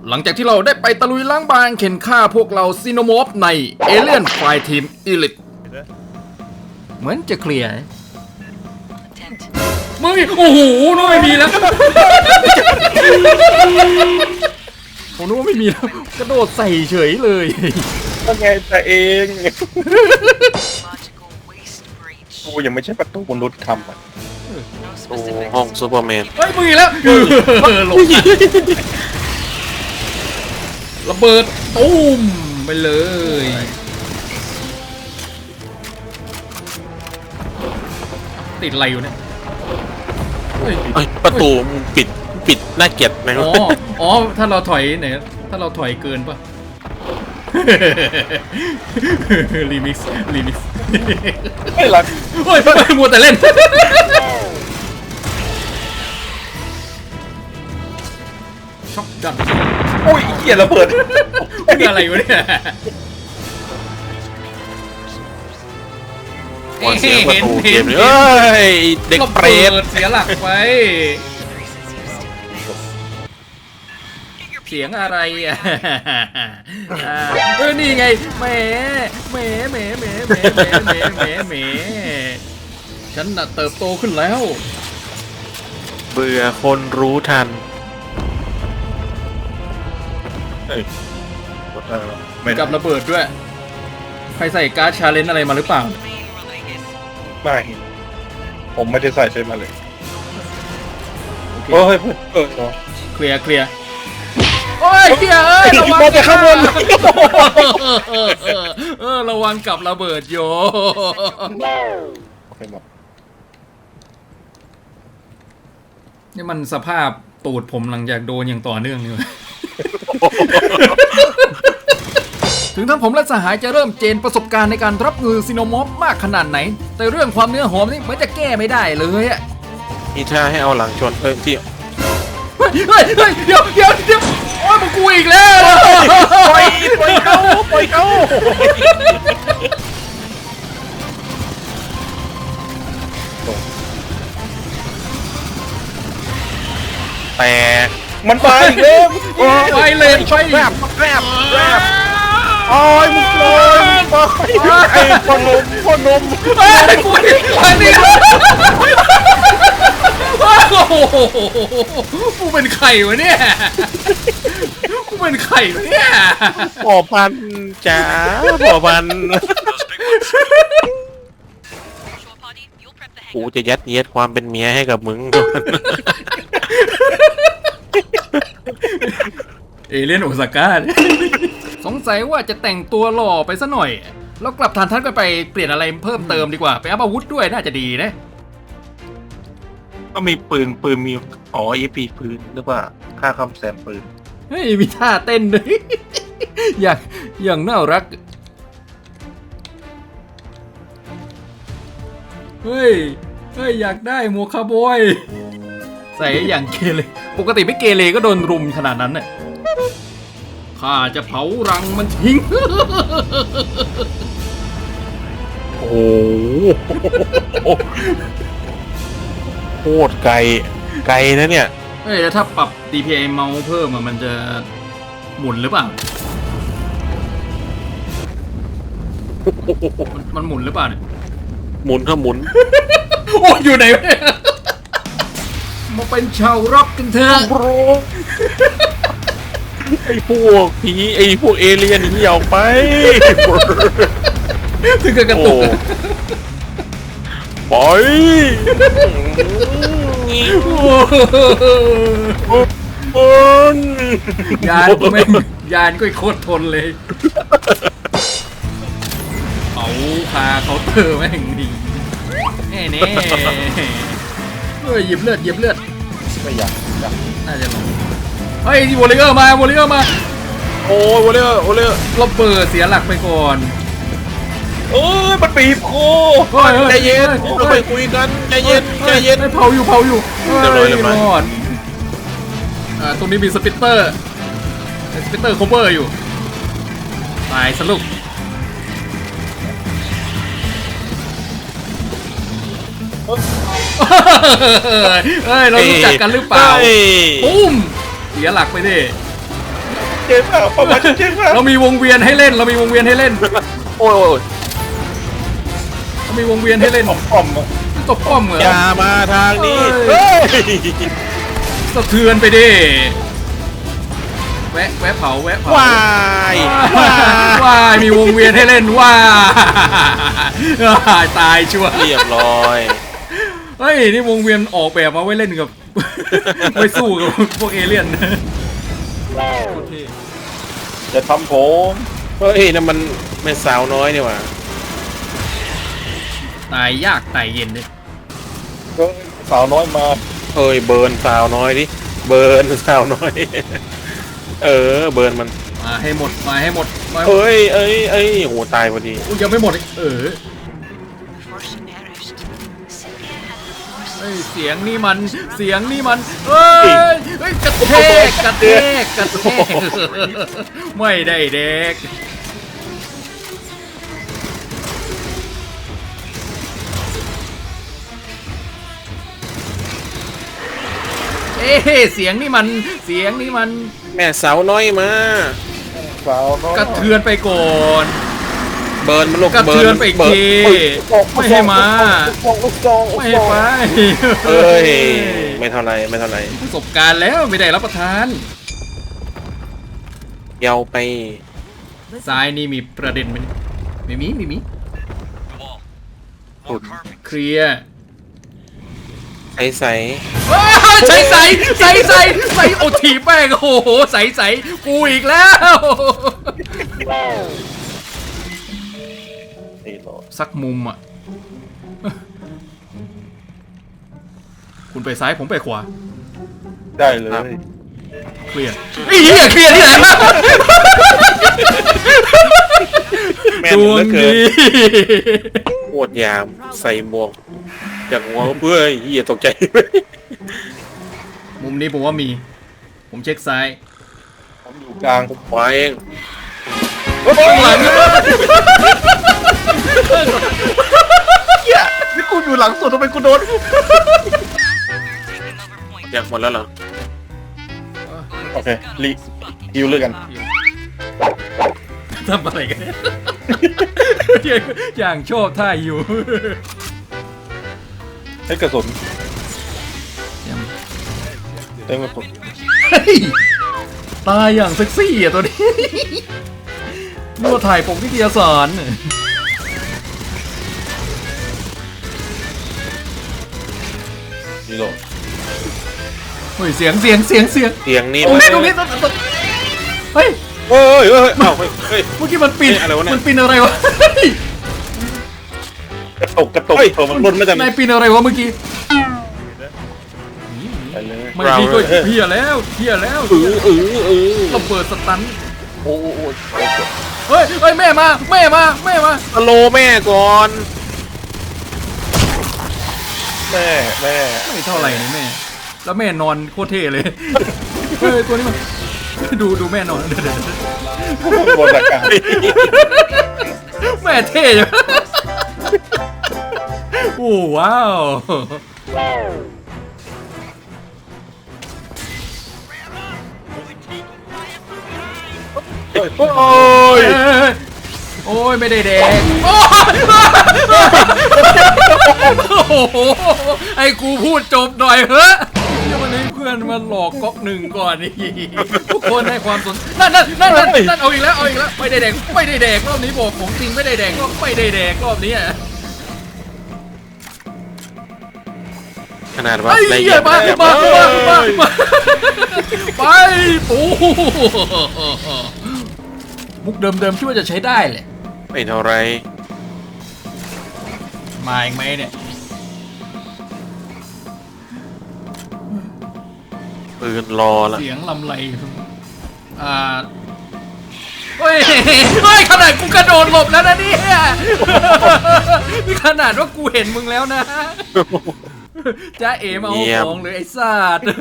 หลังจากที่เราได้ไปตะลุยล้างบางเข็นฆ่าพวกเราซีโนมอฟในเอเลียนไฟทีมอีลิทเหมือนจะเคลียร์มึงโอ้โหน้องไม่มีแล้วผมนึกว่าไม่มีแล้วกระโดดใส่เฉยเลยก็ไงแต่เองกูยังไม่ใช่ประตูมนุษย์ทำอ่ะโอ้ห้องซูเปอร์แมนเฮ้ยมึงอีกแล้วลงระเบิดตุ้มไปเลยติดอะไรอยู่เนี่ยประตูปิดน่าเกลียดไหมวะอ๋อถ้าเราถอยเนี่ยถ้าเราถอยเกินป่ะรีมิกซ์ไม่รักโอ้ยมัวแต่เล่นช็อกกันโอ้ยเกลียดระเบิดเป็นอะไรวะเนี่ยเสียงประตูเกมเลยเอ้ยเด็กเปรตเสียหลักไปเสียงอะไรอ่ะนี่ไงแหมฉันน่ะเติบโตขึ้นแล้วเบื่อคนรู้ทันกับระเบิดด้วยใครใส่การ์ดชาเลนจ์อะไรมาหรือเปล่าไม่ผมไม่ได้ใส่ใช่ไหมเลยโอ้ยเคลียร์โอ้ยเฮียระวังจะข้างบนระวังกับระเบิดโยนี่มันสภาพตูดผมหลังจากโดนอย่างต่อเนื่องนี่ถึงทั้งผมและสหายจะเริ่มเจนประสบการณ์ในการรับมือซีโนมอฟมากขนาดไหนแต่เรื่องความเนื้อหอมนี่เหมือนจะแก้ไม่ได้เลยอะมีท่าให้เอาหลังชนที่เฮ้ยเดี๋ยวโอ้ยมึงกูอีกแล้วปล่อยเขาแต่มันไปอีกแล้วไปเลยไปแรบโอ้ยมึงเลยไอ้พ่อนมไอ้กูอันนี้กูเป็นไข่วะเนี่ยพ่อพันจ๋าพ่อพันกูจะยัดเยียดความเป็นเมียให้กับมึงเอเลียนโอซาก้าสงสัยว่าจะแต่งตัวหล่อไปซะหน่อยแล้วกลับฐานทัพกันไปเปลี่ยนอะไรเพิ่มเติมดีกว่าไปอัพอาวุธด้วยน่าจะดีนะก็มีปืนมีEPP ปืนหรือว่าค่าคำแซมปืนเฮ้ยมีท่าเต้นด้วยอย่างน่ารักเฮ้ยอยากได้หมวกคาร์บอยใส่อย่างเกเรปกติไม่เกเรก็โดนรุมขนาดนั้นน่ะข้าจะเผารังมันทิ้งโอ้โคตรไกลนะเนี่ยเฮ้ยแล้วถ้าปรับ DPI เมาส์เพิ่มมันจะหมุนหรือเปล่ามันหมุนหรือเปล่าเนี่ยหมุนก็หมุนโอ้อยู่ไหนมาเป็นชาวร็อกกันเถอะไอ้พวกผีไอ้พวกเอเลี่ยนนี่ออกไปถึงกับกระตุกปล่อยยานก็ไม่ยานก็โคตรทนเลยเอาพาเขาเตอร์แม่งดีแน่หยิบเลือดไม่อยากน่าจะลงเฮ้ยที่วอลเลเยอร์มาโอ้ยวอลเลเยอร์ระเบิดเสียหลักไปก่อนมันปีบโคใจเย็นเราไปคุยกันใจเย็นเผาอยู่รอดตรงนี้มีสปิตเตอร์โคเวอร์อยู่ตายสรุปเฮ้ยเรารู้จักกันหรือเปล่าปุ้มเสียหลักไปดิเจนเปล่าประมาณชัดเจนเปล่าเรามีวงเวียนให้เล่น เรามีวงเวียนให้เล่นโอ้ยเรามีวงเวียนให้เล่นป้อมอะตบป้อมเหรออย่ามาทางนี้เฮ้เฮ้ยยสะเทือนไปดิ แวะเผาวายว้ายมีวงเวียนให้เล่นว้าย ตายชัวร์เรียบร้อยเฮ้ย นี่วงเวียนออกแบบมาไว้เล่นกับ ไว้สู้กับพวกเอเลี่ยนโอเคจะทำผมเฮ้ยนั่นมันแม่สาวน้อยนี่หว่าตายยากตายเย็นเลยก็สาวน้อยมาเอ้ยเบิร์นสาวน้อยดิเบิร์นสาวน้อย เออเบิร์นมันมาให้หมดมาให้หมดมาเอ้ยโหตายพอดีอุ๊ยยังไม่หมดอีก Force perished. Cynthia had the force. เฮ้ยเสียงนี่มันเฮ้ยกระแทกไม่ได้เด็กเสียงนี่มันแม่สาวน้อยมาสาวน้อยกระเทือนไปก่อนเบิร์นมันลูกกระเทือนไปอีกทีไม่ให้มาลูกซองไม่ให้ไปเอ้ยไม่เท่าไรไม่เท่าไรประสบการณ์แล้วไม่ได้รับประทานเยาวไปซ้ายนี่มีประเด็นไหมไม่มีสุดเคลียร์ใสใสใส่โอทีแป้งโอ้โหใส่กูอีกแล้วนี่หรอสักมุมอ่ะ คุณไปซ้ายผมไปขวาได้เลยเคลียร์ไอ้เหี้ยเคลียร์ที่ไหนวะแม่นดเหวลืงอเกิดีนโคตรยามใส่หมวกจากหัวเพื่อเหี้ยตกใจมุมนี้ผมว่ามี ผมเช็คซ้ายผมอยู่กลางขวาเองข้างหลังเฮียนี่กูอยู่หลังสุดทำไมกูโดนอยากหมดแล้วเหรอโอเครีฮิวเลยกันทำอะไรกันเนี่ยอย่างชอบท่าอยู่ให้กระสุนเต็มกระสุนเฮ้ยตายอย่างเซ็กซี่อ่ะตัวนี้นึกว่าถ่ายปกนิตยสารนี่หรอเฮ้ยเสียงเสียงนี่ตรงนี้เฮ้ยเฮ้ยอ้าวเฮ้ยเมื่อกี้มันปีนเฮ้ยอะไรวะเนี่ยมันปีนอะไรวะกระตุกเฮ้ยมันหล่นมาจากไหนนายปีนอะไรวะเมื่อกี้ไปเลยไม่พี่ก็เพี้ยแล้วระเบิดสตันโอ้โหเฮ้ยแม่มาสโลแม่ก่อนแม่แม่ไม่เท่าไหร่นี่แม่ แล้วแม่นอนโคตรเท่เลย เฮ้ยตัวนี้มันดูแม่นอนเดี๋ยวบนอากาศแม่เท่อยู่ โอ้ว้าวโอ้ยโอ้ยไม่ได้แดงโอ้โหไอ้กูพูดจบหน่อยเฮ้ยวันนี้เพื่อนมันหลอกก๊อกหนึ่งก่อนนี่ทุกคนให้ความสนนั่นเอาอีกแล้วไม่ได้แดงรอบนี้บอกของจริงไม่ได้แดงรอบนี้ขนาดว่าไอ้ได้เหี้ยมาไปปูมุกเดิมคิดว่าจะใช้ได้แหละไม่เท่าไรมาอีกไหมเนี่ยปืนรอละเสียงลำไรเฮ้ยขนาดกูกระโดดหลบแล้วนะเนี่ยนี่ขนาดว่ากูเห็นมึงแล้วนะจ้าเอ๋มาเอาของเลยไอ้สัตว์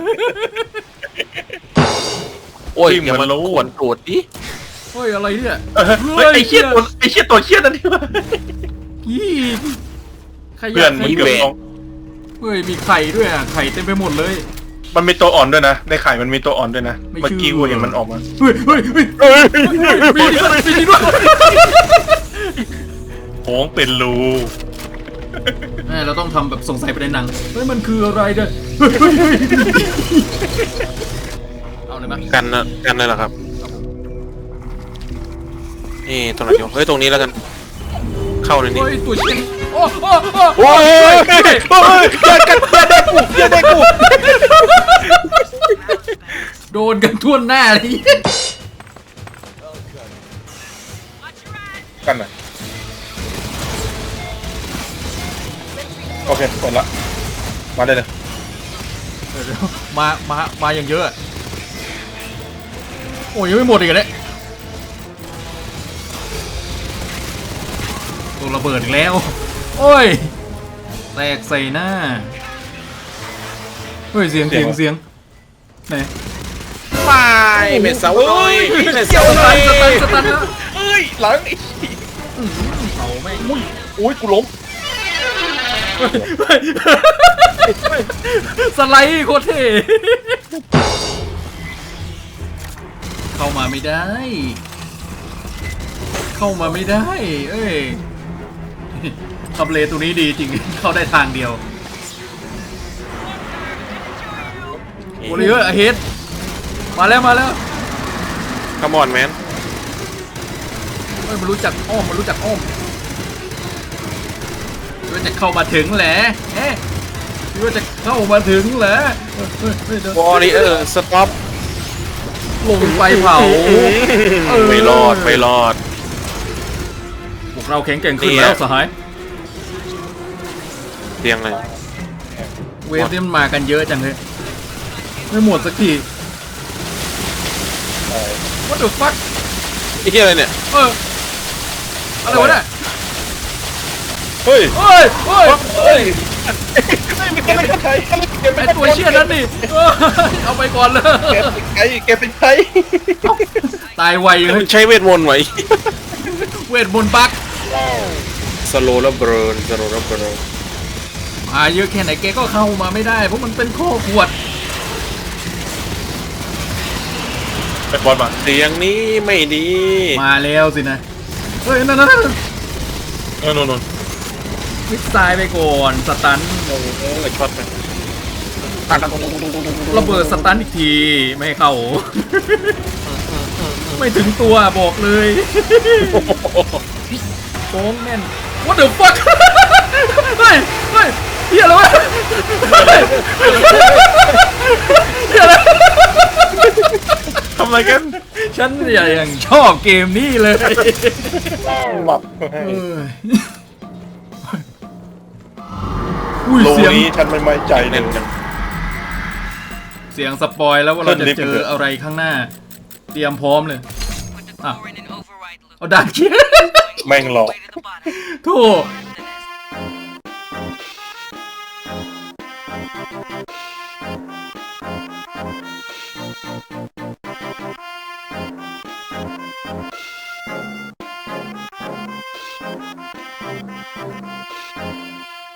โอ้ยอย่ามาขวนตูดดิเฮ้ยอะไรเนี่ยไอ้เชี่ยตัวเชี่ยนั่นนี่วะพี่ขเพื่ยะอนมันเกือบลงเฮ้ยมีไข่ด้วยอ่ะไข่เต็มไปหมดเลยมันมีตัวอ่อนด้วยนะในไข่มันมีตัวอ่อนด้วยนะเมื่อกี้กูเห็นมันออกมาเฮ้ยเฮ้ยเฮ้ยเอ้ยมีด้วยมีด้วยโค้งเป็นรูเราต้องทำแบบสงสัยไปในหนังเฮ้ยมันคืออะไรเนี่ยเฮ้ยเฮ้ยเฮ้ยเอาเลยมั้ยกันนะกันเลยเหรอครับนี่ตรงไหนอยู่เฮ้ยตรงนี้แล้วกันเข้าในนี้เฮ้ยตัวเชี่ยโอ้โอ้โอ้โอ้ยอย่าได้กูโดนกันทั่วหน้าเลยกันหน่อยโอเคหมดละมาได้เลยมาอย่างเยอะอะโอ้ยยังไม่หมดอีกเลยตัวระเบิดอีกแล้ว โอ้ยแตกใส่หน้าเฮ้ยเสียงไหนไม่เป็นเสาเลยเป็นเสาสเลตันยสตันนะเอ้ยหลังอีกเอาแม่งอุ้ยกูล้มสไลด์โคตรเท่เข้ามาไม่ได้ เข้ามาไม่ได้ เอ้ยทำเลตัวนี้ดีจริง เข้าได้ทางเดียวโอริเออร์เฮดมาแล้วขมอนแมนเฮ้ยมันรู้จักอ้อมมันจะเข้ามาถึงแหละเอ๊ะคิดว่าจะเข้ามาถึงเหรอเดี๋ยววอริเออร์สต็อปลงไปเผาไม่รอดไม่รอดพวกเราแข็งแกร่งขึ้นแล้วสหายเตียงเลยเวฟนี่มันมากันเยอะจังเลยไม่หมดสักที What the fuck ไอ้เหี้ยอะไรเนี่ยอะไรวะเนี่ยเฮ้ยเฮ้ยไม่เป็นใครไอตัวเชี่ยนั้นนี่เอาไปก่อนเลยแกเป็นใครตายไวเลยใช้เวทมนต์ไว้เวทมนต์บักสโลว์แล้วเบิร์นสโลว์แล้วเบิร์นมาเยอะแค่ไหนแกก็เข้ามาไม่ได้เพราะมันเป็นข้อขวดไปบอลมาเตียงนี้ไม่ดีมาแล้วสินะเฮ้ยนั่นโน่นมิกซายไปก่อนสตันช็อตไประเบิดสตันอีกทีไม่ให้เข้า ไม่ถึงตัวบอกเลยโป้งแน่น What the fuck เฮ้ยเฮียอะไรวะเฮียอะไรทำอะไรกันฉันอย่างชอบเกมนี้เลยหลับอุ้ยโลเสียงนี้ฉันไม่ไว้ใจเลเน้ยนจังเสียงสปอยแล้วว่าเราจะขึ้นลิฟต์เจไปเถออะอะไรข้างหน้า เตรียมพร้อมเลย Put the Ah. core in an override loop. เอาด่านเคียแม่งหลอก Way to the bottom. โธ่